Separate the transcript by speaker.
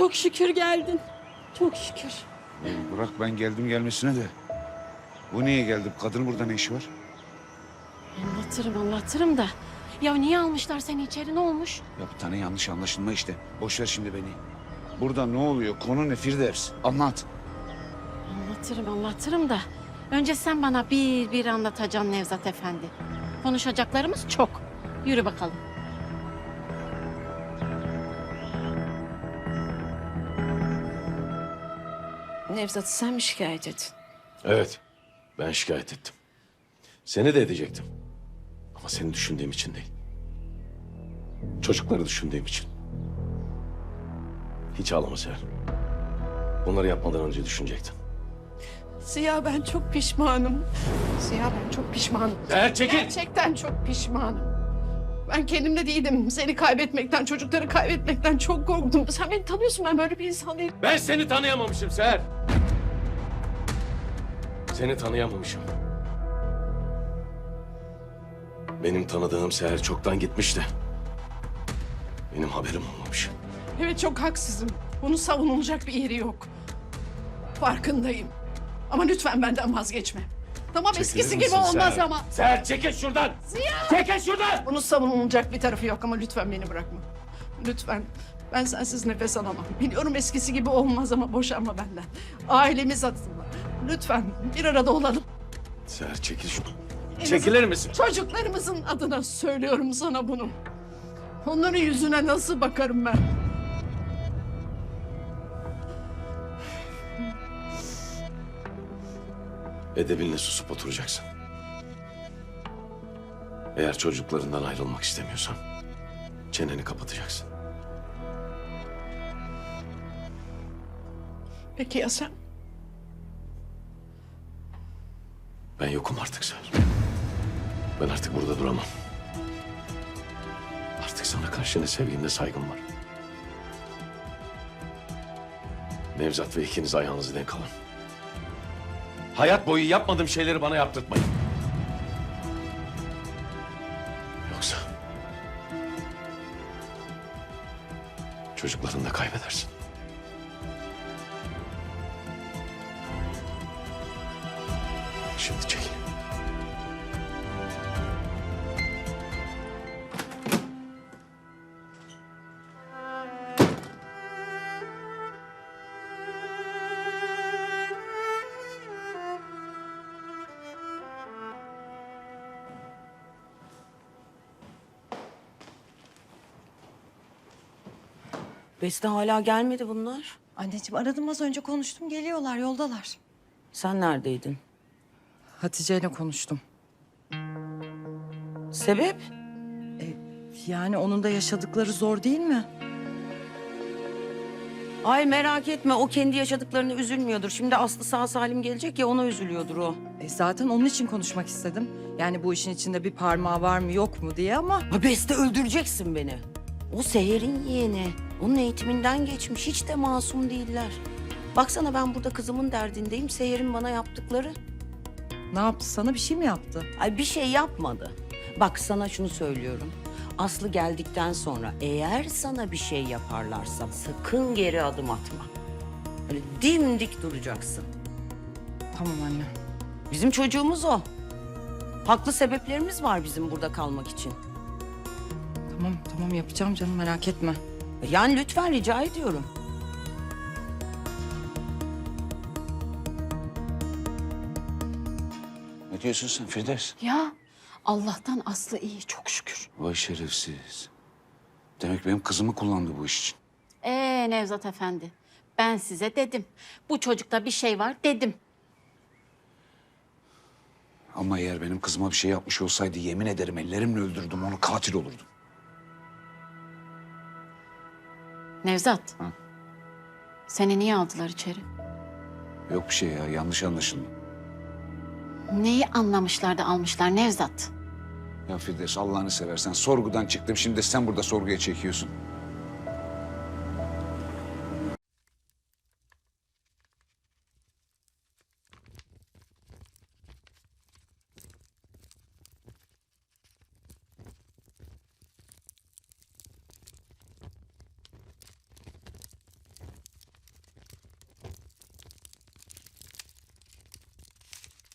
Speaker 1: çok şükür geldin. Çok şükür.
Speaker 2: Bırak ben geldim gelmesine de. Bu niye geldi? Kadın burada ne işi var?
Speaker 1: Anlatırım da. Ya niye almışlar seni içeri, ne olmuş?
Speaker 2: Ya bir tane yanlış anlaşılma işte. Boş ver şimdi beni. Burada ne oluyor? Konu ne Firdevs? Anlat.
Speaker 1: Anlatırım da. Önce sen bana bir anlatacaksın Nevzat Efendi. Konuşacaklarımız çok. Yürü bakalım. Nevzat'ı sen mi şikayet ettin?
Speaker 3: Evet, ben şikayet ettim. Seni de edecektim. Ama seni düşündüğüm için değil. Çocukları düşündüğüm için. Hiç ağlama Seher. Bunları yapmadan önce düşünecektin.
Speaker 4: Ziya ben çok pişmanım. Ziya ben çok pişmanım.
Speaker 3: Seher çekil!
Speaker 4: Gerçekten çok pişmanım. Ben kendimde değilim. Seni kaybetmekten, çocukları kaybetmekten çok korktum. Sen beni tanıyorsun, ben böyle bir insan değilim.
Speaker 3: Ben seni tanıyamamışım Seher. Seni tanıyamamışım. Benim tanıdığım Seher çoktan gitmişti. Benim haberim olmamış.
Speaker 4: Evet çok haksızım. Bunun savunulacak bir yeri yok. Farkındayım. Ama lütfen benden vazgeçme. Tamam eskisi
Speaker 3: Çekilir
Speaker 4: gibi
Speaker 3: misin
Speaker 4: olmaz
Speaker 3: Seher?
Speaker 4: ama.
Speaker 3: Seher çekil şuradan!
Speaker 4: Ziya!
Speaker 3: Çekil şuradan!
Speaker 4: Bunun savunulacak bir tarafı yok ama lütfen beni bırakma. Lütfen. Ben sensiz nefes alamam. Biliyorum eskisi gibi olmaz ama boşanma benden. Ailemiz adına. Lütfen bir arada olalım.
Speaker 3: Seher çekil şuradan.
Speaker 4: En
Speaker 3: Çekilir misin?
Speaker 4: Çocuklarımızın adına söylüyorum sana bunu. Onların yüzüne nasıl bakarım ben?
Speaker 3: Edebinle susup oturacaksın. Eğer çocuklarından ayrılmak istemiyorsan çeneni kapatacaksın.
Speaker 4: Peki ya sen?
Speaker 3: Ben yokum artık Seher. Ben artık burada duramam. Artık sana karşı ne sevgim ne saygım var. Nevzat ve ikiniz ayağınızı denk alın. Hayat boyu yapmadığım şeyleri bana yaptırtmayın. Yoksa çocuklarını da kaybedersin. Şimdi çekil.
Speaker 5: Beste hala gelmedi bunlar.
Speaker 6: Anneciğim aradım az önce konuştum geliyorlar yoldalar.
Speaker 5: Sen neredeydin?
Speaker 6: Hatice ile konuştum.
Speaker 5: Sebep?
Speaker 6: Yani onun da yaşadıkları zor değil mi?
Speaker 5: Ay merak etme, o kendi yaşadıklarını üzülmüyordur. Şimdi Aslı sağ salim gelecek ya, ona üzülüyordur o.
Speaker 6: Zaten onun için konuşmak istedim. Yani bu işin içinde bir parmağı var mı yok mu diye ama...
Speaker 5: Ha Beste, öldüreceksin beni. O Seher'in yeğeni. Onun eğitiminden geçmiş. Hiç de masum değiller. Baksana, ben burada kızımın derdindeyim. Seher'in bana yaptıkları.
Speaker 6: Ne yaptı sana, bir şey mi yaptı?
Speaker 5: Ay bir şey yapmadı. Bak sana şunu söylüyorum. Aslı geldikten sonra eğer sana bir şey yaparlarsa sakın geri adım atma. Öyle dimdik duracaksın.
Speaker 6: Tamam anne.
Speaker 5: Bizim çocuğumuz o. Haklı sebeplerimiz var bizim burada kalmak için.
Speaker 6: Tamam yapacağım canım, merak etme.
Speaker 5: Yani lütfen rica ediyorum.
Speaker 2: Ne diyorsun sen Firdevs?
Speaker 1: Ya Allah'tan Aslı iyi, çok şükür.
Speaker 2: Vay şerefsiz. Demek benim kızımı kullandı bu iş için.
Speaker 1: Nevzat Efendi, ben size dedim. Bu çocukta bir şey var dedim.
Speaker 2: Ama eğer benim kızıma bir şey yapmış olsaydı yemin ederim ellerimle öldürdüm onu, katil olurdum.
Speaker 1: Nevzat, seni niye aldılar içeri?
Speaker 2: Yok bir şey ya, yanlış anlaşılma.
Speaker 1: Neyi anlamışlar da almışlar Nevzat?
Speaker 2: Ya Firdevs Allah'ını seversen sorgudan çıktım, şimdi de sen burada sorguya çekiyorsun.